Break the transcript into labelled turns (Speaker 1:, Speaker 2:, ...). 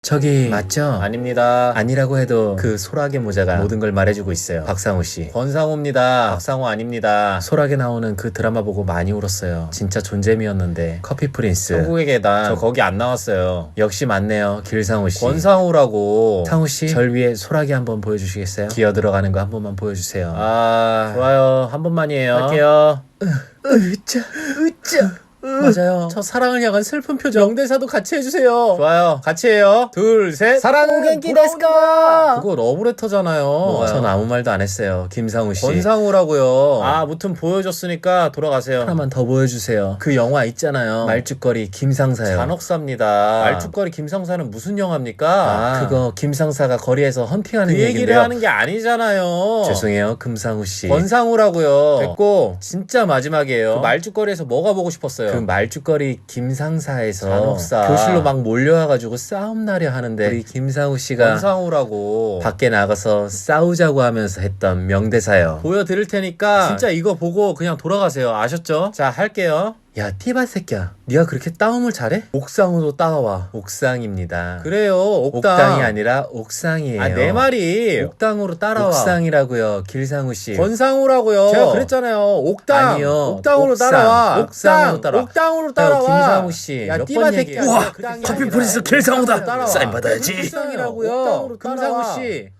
Speaker 1: 저기 맞죠?
Speaker 2: 아닙니다.
Speaker 1: 아니라고 해도 그 소라게 모자가 모든 걸 말해주고 있어요. 박상우 씨.
Speaker 2: 권상우입니다. 박상우 아닙니다.
Speaker 1: 소라게 나오는 그 드라마 보고 많이 울었어요. 진짜 존재미였는데. 커피 프린스.
Speaker 2: 천국의 계단. 저 거기 안 나왔어요.
Speaker 1: 역시 맞네요. 길상우 씨.
Speaker 2: 권상우라고.
Speaker 1: 상우 씨, 절 위에 소라게 한번 보여주시겠어요? 기어 들어가는 거 한 번만 보여주세요.
Speaker 2: 아, 좋아요. 한 번만이에요.
Speaker 1: 할게요. 으짜. 맞아요. 저 사랑을 향한 슬픈 표정.
Speaker 2: 명대사도 같이 해주세요. 좋아요. 같이 해요. 둘, 셋. 사랑은
Speaker 1: 겐키 데스까?
Speaker 2: 그거 러브레터잖아요.
Speaker 1: 전 아무 말도 안 했어요. 김상우 씨.
Speaker 2: 권상우라고요. 아, 무튼 보여줬으니까 돌아가세요.
Speaker 1: 하나만 더 보여주세요. 그 영화 있잖아요. 말죽거리 김상사요.
Speaker 2: 잔혹사입니다. 말죽거리 김상사는 무슨 영화입니까?
Speaker 1: 그거 김상사가 거리에서 헌팅하는
Speaker 2: 그 얘기를
Speaker 1: 얘기인데요.
Speaker 2: 하는 게 아니잖아요.
Speaker 1: 죄송해요, 금상우 씨.
Speaker 2: 권상우라고요. 됐고 진짜 마지막이에요. 그 말죽거리에서 뭐가 보고 싶었어요?
Speaker 1: 그 말죽거리 김상사에서
Speaker 2: 잔혹사.
Speaker 1: 교실로 막 몰려와가지고 싸움 나려 하는데 우리 김상우 씨가
Speaker 2: 권상우라고
Speaker 1: 밖에 나가서 싸우자고 하면서 했던 명대사요.
Speaker 2: 보여드릴 테니까 진짜 이거 보고 그냥 돌아가세요. 아셨죠? 자, 할게요.
Speaker 1: 야, 티바 새끼야. 네가 그렇게 따움을 잘해? 옥상으로 따라와. 옥상입니다.
Speaker 2: 그래요. 옥당.
Speaker 1: 옥당이 아니라 옥상이에요.
Speaker 2: 아, 내 말이
Speaker 1: 옥당으로 따라와. 옥상이라고요, 길상우 씨.
Speaker 2: 권상우라고요. 제가 그랬잖아요. 옥당.
Speaker 1: 아니요.
Speaker 2: 옥당으로
Speaker 1: 옥상.
Speaker 2: 따라와.
Speaker 1: 옥상으로 따라와.
Speaker 2: 옥당으로 따라와.
Speaker 1: 김상우 씨.
Speaker 2: 야,
Speaker 1: 몇
Speaker 2: 띠바
Speaker 1: 번
Speaker 2: 새끼야.
Speaker 1: 얘기해요?
Speaker 2: 우와,
Speaker 1: 커피 프린스 길상우다. 사인 받아야지.
Speaker 2: 옥상이라고요. 금상우 씨.